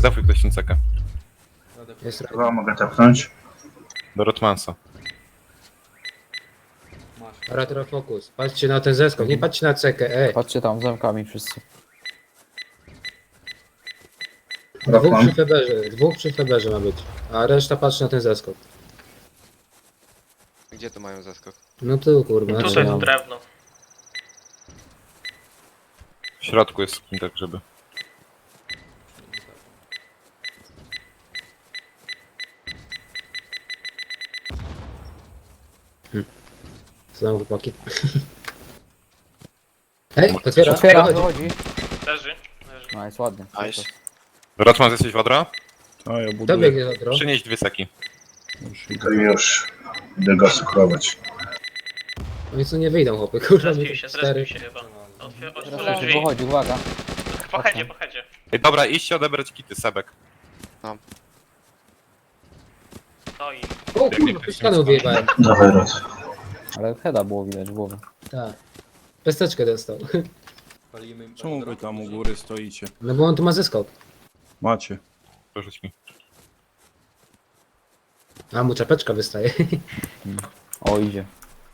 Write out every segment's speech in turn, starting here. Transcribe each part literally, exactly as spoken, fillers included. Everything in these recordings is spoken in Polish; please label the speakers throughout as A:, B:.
A: Zdefuj ktoś ten cekę.
B: Jest
C: Chyba mogę tapnąć.
A: Do Rotmansa.
B: retro focus. Patrzcie na ten zeskok, nie patrzcie na cekę, ej.
D: Patrzcie tam, zamkami wszyscy.
B: Dwóch
C: Rotman.
B: przy feberze, dwóch przy feberze ma być. A reszta patrzy na ten zeskok.
E: Gdzie tu mają zaskok?
B: No tu kurwa.
F: Tutaj
B: znaczy,
F: to drewno.
A: W środku jest skin, tak żeby...
B: Co tam chłopaki? Ej, otwiera.
D: Otwiera,
B: Wychodzi.
D: wychodzi.
F: Leży. Leży.
D: Nice, ładnie.
A: Nice. Rotman, jesteś wodra?
G: A ja
B: Kto
G: buduję.
B: biegnie za drogą?
A: Przynieś dwie seki.
G: Już
C: To
G: idę.
C: już. Idę go skrować.
B: Oni co nie wyjdą chłopy, kurwa.
F: Zrespił
B: mi
F: się,
B: cztery.
F: zrespił się chyba. Otwier-
D: Teraz
F: Otworzył drzwi.
D: wychodzi, uwaga.
F: Po headzie, po headzie.
A: Ej, dobra, idźcie odebrać kity, Sebek.
F: No i
B: O kurwa, ktoś kanał wyjebałem.
C: Dawaj Rot.
D: Ale heada było widać w głowie.
B: Tak. Pesteczkę dostał.
G: Czemu wy tam u góry stoicie?
B: No bo on tu ma zeskok.
G: Macie.
A: Porzuć mi.
B: A mu czapeczka wystaje.
D: O, idzie.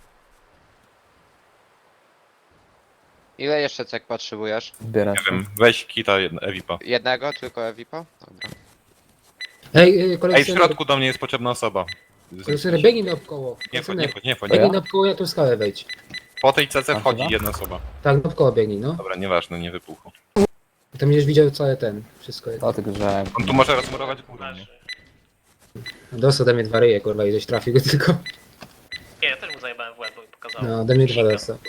E: Ile jeszcze cek potrzebujesz?
D: Zbiera
A: Nie
D: się.
A: wiem, weź kita jedna, Evipa.
E: Jednego, tylko Evipa? Dobra.
B: Ej, ej,
A: Ej, w
B: kolekcjoner,
A: środku do mnie jest potrzebna osoba.
B: kolekcjoner, biegnij na obkoło.
A: Nie wchodź, nie wchodź, nie wchodź.
B: Biegnij na obkoło, ja tu w skałę wejdź.
A: Po tej cece
D: A,
A: wchodzi
D: chyba?
A: jedna osoba.
B: Tak, na obkoło biegnij, no.
A: Dobra, nieważne, nie wypuchu.
B: I tam będziesz widział cały ten, wszystko.
D: Dlatego, że...
A: On tu może rozmurować górę, nie?
F: leży.
B: Dostał ode mnie dwa ryje, kurwa, i żeś trafił go tylko.
F: Nie, ja też mu zajebałem w łeb, bo mi pokazało.
B: No, ode mnie dwa dostał.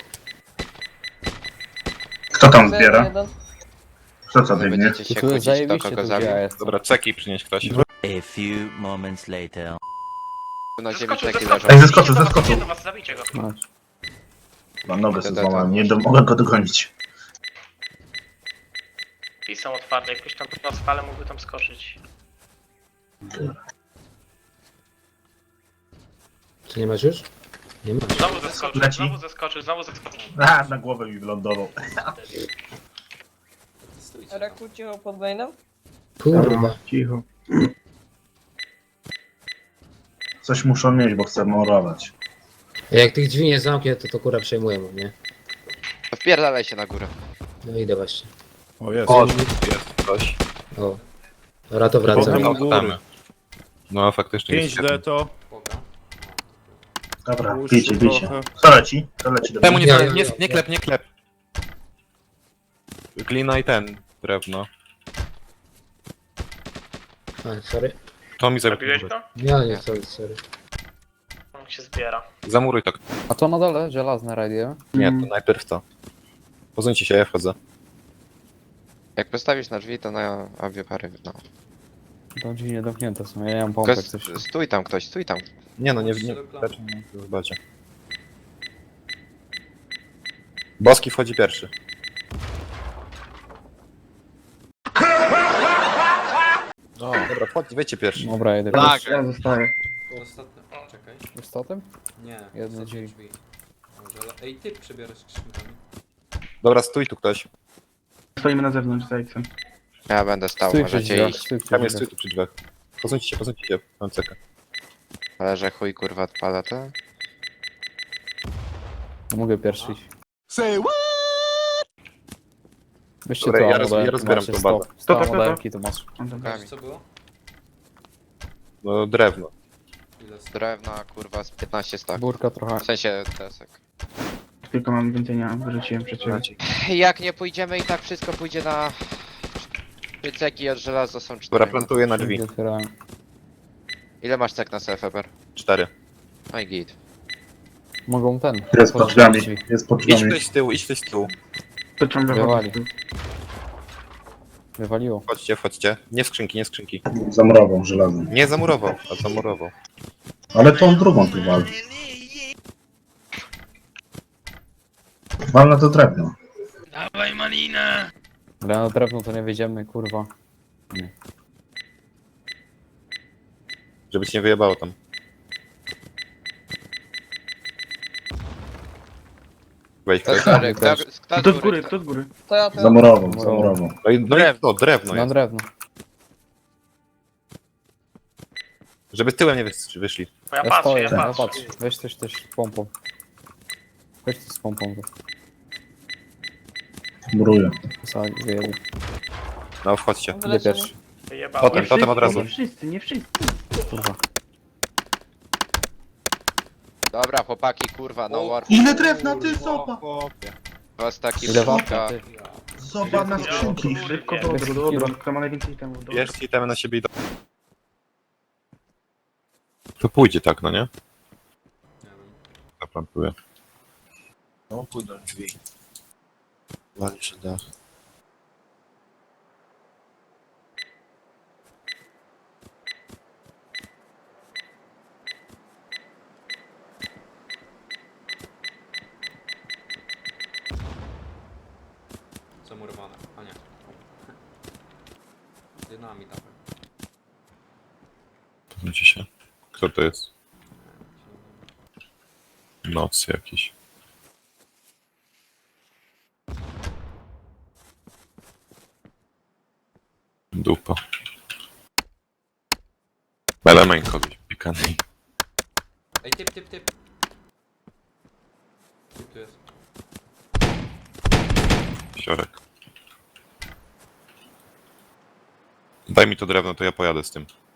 C: Kto tam zbiera? Kto co
E: Nie
C: biegnie?
E: będziecie się
D: Tu jest
E: kłócić, kto
D: zajebiście
E: kogo
D: tu
E: zabił.
D: gdzie ja jestem.
A: Dobra, ceki przynieś ktoś.
H: A few moments later.
E: Na ziemi
F: Zeskoczył,
E: ceki
F: zeskoczył.
E: leżą.
C: Ej, zeskoczył,
F: Idzie do was,
C: zeskoczył.
F: idzie do was, zabijcie go.
D: No.
C: Mam nogę sobie
E: To- to- to-
C: złamałem, nie do, mogę go dogonić.
F: I są otwarte, jakbyś tam na spale mógłby tam skoczyć.
B: Czy nie masz już? Nie masz.
F: Znowu zeskoczył,
C: Leci.
F: znowu zeskoczył, znowu zeskoczył.
C: A, na głowę mi wylądował.
I: Raku cicho pod mainem?
B: Kurwa.
C: Cicho. Coś muszą mieć, bo chcę morować.
B: Jak tych drzwi nie zamknie, to to kurwa przejmuję mu, nie?
E: To wpierdalaj się na górę.
B: No idę właśnie.
G: O, jest.
A: O, jest ktoś.
B: O. Dobra, to
G: Potem
B: wracam.
G: u góry.
A: No, faktycznie jest.
G: pięć D to.
C: Dobra,
G: Puszczę
C: bijcie, bijcie.
G: trochę.
C: Co leci? Co leci do
A: Temu
C: mnie?
A: nie,
B: Ja,
A: nie,
B: ja,
A: nie,
B: ja.
A: nie klep, nie klep. Glina i ten, drewno.
B: A, sorry.
A: To mi
F: Zabiłeś
A: zabił.
F: go?
B: Ja nie, sorry, sorry.
F: On się zbiera.
A: Zamuruj to.
D: A to na dole, żelazne radio.
A: Nie, to najpierw to. Pozuńcie się, ja wchodzę.
E: Jak postawisz na drzwi, to na obie pary, no.
D: To drzwi niedomknięte są, ja nie mam
E: Tylko
D: pompek coś.
E: s- stój tam ktoś, stój tam.
A: Nie no, nie, nie, raczej nie zobaczcie. Boski wchodzi pierwszy. O, dobra, wchodź, wejdźcie pierwszy.
D: Dobra, jedę.
E: Tak.
C: Ja zostaję.
J: Ostatnio. Czekaj.
D: Ostatem?
J: Nie.
D: Jedno
J: ostatnie
D: drzwi.
J: Może, ale... Ej, ty przebierasz skrzynkami.
A: Dobra, stój tu ktoś.
C: Stoimy na zewnątrz, zajcem.
E: Ja będę stał,
D: Stój przy
E: możecie
D: drzwiach,
E: iść.
D: stój przy
A: Tam jest,
D: drzwiach.
A: stój tu przy drzwiach. Pozuńcie się, pozuńcie się, mam cekę.
E: Ale że chuj kurwa odpada to.
D: No mogę pierwszy iść. Weźcie
A: Dobra,
D: to,
A: ja
D: a
A: roz-
D: modelki,
A: ja rozbieram
D: macie
A: tą
D: sto-
A: bazę.
D: sto
C: To, to, to, to.
D: modelki to masz.
E: Kami.
J: Co było?
A: No, drewno.
J: Ile st-
E: Drewna kurwa z piętnaście stak.
D: Burka trochę.
E: W sensie desek.
C: Tylko mam więcej, nie wyrzuciłem przed ciebie.
E: Jak nie pójdziemy i tak wszystko pójdzie na... Trzy ceki od żelaza są
A: Dobra,
E: cztery.
A: plantuję na drzwi.
D: Otwierałem.
E: Ile masz cek na self Eber?
A: Cztery.
E: No i git.
D: Mogą ten.
C: Jest pod
D: otworzyć
C: drzwiami,
D: drzwi.
C: jest pod
A: Idź
C: drzwiami.
A: ktoś z tyłu, idź ktoś z tyłu.
D: Wywali. Wywaliło.
A: Chodźcie, wchodźcie. Nie skrzynki, nie skrzynki.
C: Zamurował żelazem.
A: Nie zamurował, a zamurował.
C: Ale tą drugą tu wal. Wal na to drewno.
F: Dawaj malina!
D: Ale na drewno to nie wiedziemy, kurwa.
A: Żeby ci nie wyjebało tam. Wejdź
E: Kto z
A: ktoś.
E: góry? Kto, kto z góry?
C: z góry?
I: To ja to ja.
C: Zamurował, zamurował.
A: No i, no i to, drewno
D: Na
A: jest.
D: drewno.
A: Żeby tyłem nie wys- wyszli.
F: Bo ja
D: Ja
F: patrzę,
D: stoję,
F: ja
D: ja
F: patrzę.
D: patrzę. Weź też też pompą. Weź to z pompą.
C: Muruję.
D: Sali, wyjebie.
A: No, wchodźcie.
D: Idę
I: Wylecimy.
D: pierwszy.
F: Wyjebałem.
A: Potem, potem od razu.
C: Nie wszyscy, nie wszyscy.
D: Kurwa.
E: Dobra, chłopaki, kurwa, no war.
C: Ile drewna, ty soba!
E: Was taki
D: Ile
E: brzydka.
D: wapna, ty?
C: Soba na skrzynki. Szybko do
D: Bez
C: odru, dobra.
D: kilu.
C: Kto ma najwięcej temu? Dobra.
A: Bierzcie itemy na siebie i do... To pójdzie tak, no nie?
J: Nie wiem.
A: Zaplantuję.
K: No, pójdą drzwi. Wali się dach.
J: Zamurowane. A nie. Dynamit dawaj.
A: Widzicie się. Kto to jest? Noc jakiś. Dupa. Element kogoś pikany.
J: Ej, typ, typ, typ. Typ tu jest.
A: Siorek. Daj mi to drewno, to ja pojadę z tym.